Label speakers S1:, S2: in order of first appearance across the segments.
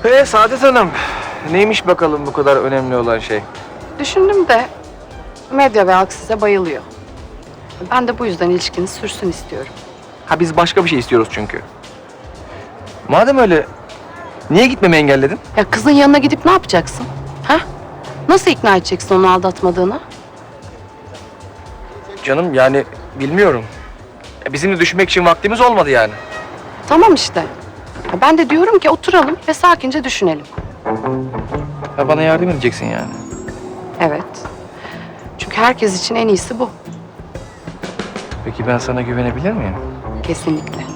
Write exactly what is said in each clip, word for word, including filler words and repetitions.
S1: Ee Saadet Hanım, neymiş bakalım bu kadar önemli olan şey?
S2: Düşündüm de medya ve halk size bayılıyor. Ben de bu yüzden ilişkiniz sürsün istiyorum.
S1: Ha biz başka bir şey istiyoruz çünkü. Madem öyle, niye gitmemi engelledin?
S2: Ya kızın yanına gidip ne yapacaksın? Ha? Nasıl ikna edeceksin onu aldatmadığına?
S1: Canım yani bilmiyorum. Ya bizim de düşünmek için vaktimiz olmadı yani.
S2: Tamam işte. Ya ben de diyorum ki oturalım ve sakince düşünelim.
S1: Ha bana yardım edeceksin yani.
S2: Evet. Çünkü herkes için en iyisi bu.
S1: Peki ben sana güvenebilir miyim?
S2: Kesinlikle.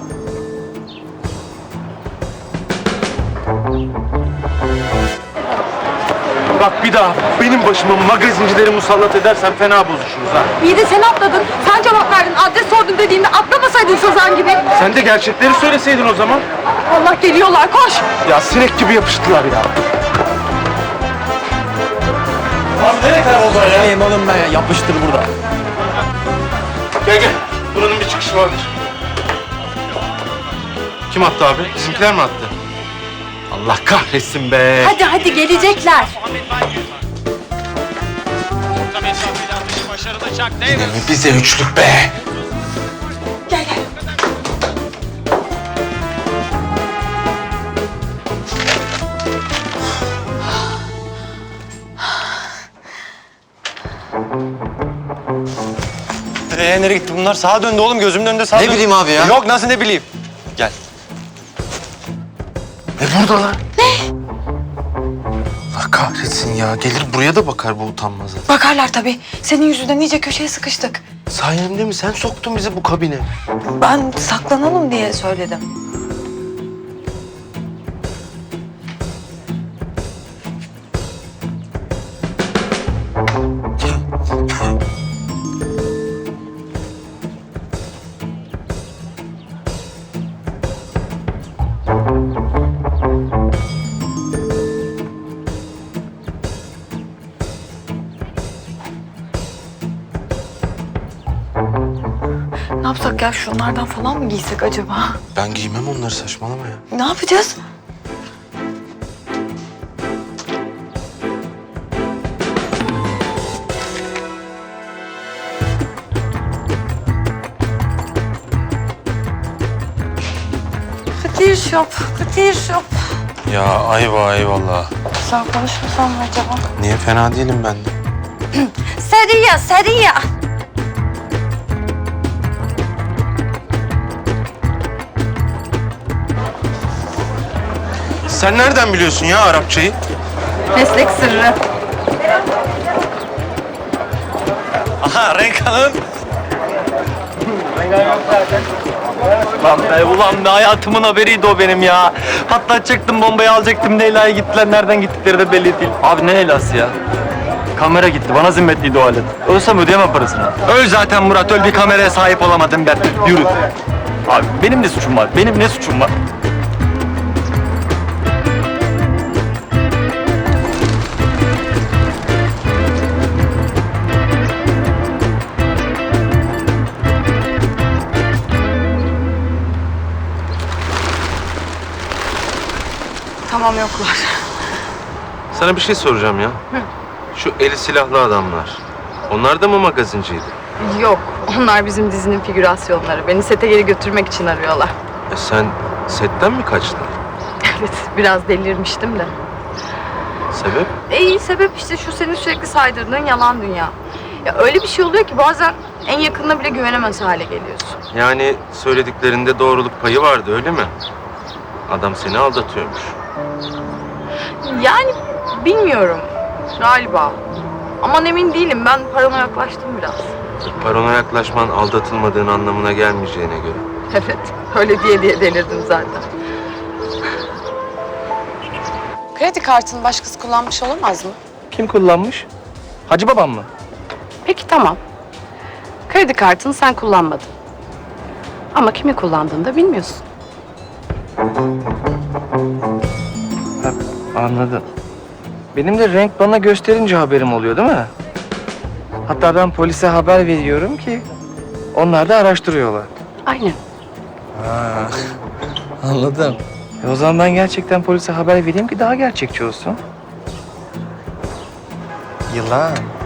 S3: Bak bir daha benim başıma magazincileri musallat edersen fena bozuşuruz ha.
S4: İyi de sen atladın. Sen cevap verdin. Adres sordum dediğinde atlamasaydın sazan gibi.
S3: Sen de gerçekleri söyleseydin o zaman.
S4: Allah geliyorlar koş.
S3: Ya sinek gibi yapıştılar ya. Abi nereye kayboldu ya?
S5: Neyim oğlum ben ya? Yapıştır burada.
S3: Gel gel. Buranın bir çıkışı vardır. Kim attı abi? Bizimkiler mi attı? Allah kahretsin be.
S4: Hadi hadi gelecekler.
S3: Bize üçlük be.
S4: Gel gel.
S5: Ee nereye gitti bunlar? Sağa döndü oğlum, gözümün önünde sağa
S6: Ne
S5: döndü.
S6: bileyim abi ya.
S5: Yok nasıl ne bileyim. Gel.
S3: Ne buradalar? Ne? Allah kahretsin ya. Gelir buraya da bakar bu utanmaz adam.
S4: Bakarlar tabii. Senin yüzünden iyice köşeye sıkıştık.
S3: Sayemde mi? Sen soktun bizi bu kabine.
S4: Ben saklanalım diye söyledim. Ne yapsak ya? Şunlardan falan mı giysek acaba?
S3: Ben giymem onları, saçmalama ya.
S4: Ne yapacağız? Kadir shop, Kadir shop.
S3: Ya ayva eyvallah.
S4: Sen konuşmasan mı acaba?
S3: Niye, fena değilim ben de.
S4: Seriya, seriya.
S3: Sen nereden biliyorsun ya Arapçayı?
S4: Meslek sırrı.
S5: Aha renk hanım. Lan be ulan be, hayatımın haberiydi o benim ya. Hatta çıktım bombayı alacaktım, Leyla'ya gittiler. Nereden gittikleri de belli değil. Abi ne Leyla'sı ya? Kamera gitti. Bana zimmetliydi o alet. Ölsem ödeyemem parasını. Öl zaten Murat. Öl, bir kameraya sahip olamadım ben. Yürü. Abi benim ne suçum var? Benim ne suçum var?
S2: Tamam yoklar.
S3: Sana bir şey soracağım ya. Şu eli silahlı adamlar. Onlar da mı magazinciydi?
S2: Yok, onlar bizim dizinin figürasyonları. Beni sete geri götürmek için arıyorlar.
S3: E sen setten mi kaçtın?
S2: Evet, biraz delirmiştim de.
S3: Sebep?
S2: E iyi sebep işte şu senin sürekli saydırdığın yalan dünya. Ya öyle bir şey oluyor ki bazen en yakınına bile güvenemez hale geliyorsun.
S3: Yani söylediklerinde doğruluk payı vardı, öyle mi? Adam seni aldatıyormuş.
S2: Yani bilmiyorum galiba. Aman emin değilim, ben paranoyaklaştım biraz.
S3: Paranoyaklaşman aldatılmadığın anlamına gelmeyeceğine göre.
S2: Evet, öyle diye diye delirdim zaten. Kredi kartını başkası kullanmış olamaz mı?
S1: Kim kullanmış? Hacı babam mı?
S2: Peki tamam. Kredi kartını sen kullanmadın. Ama kimi kullandığını da bilmiyorsun.
S1: Ha, anladım. Benim de renk bana gösterince haberim oluyor değil mi? Hatta ben polise haber veriyorum ki onlar da araştırıyorlar.
S2: Aynen.
S5: Ha, anladım.
S1: E o zaman ben gerçekten polise haber vereyim ki daha gerçekçi olsun. Yılan.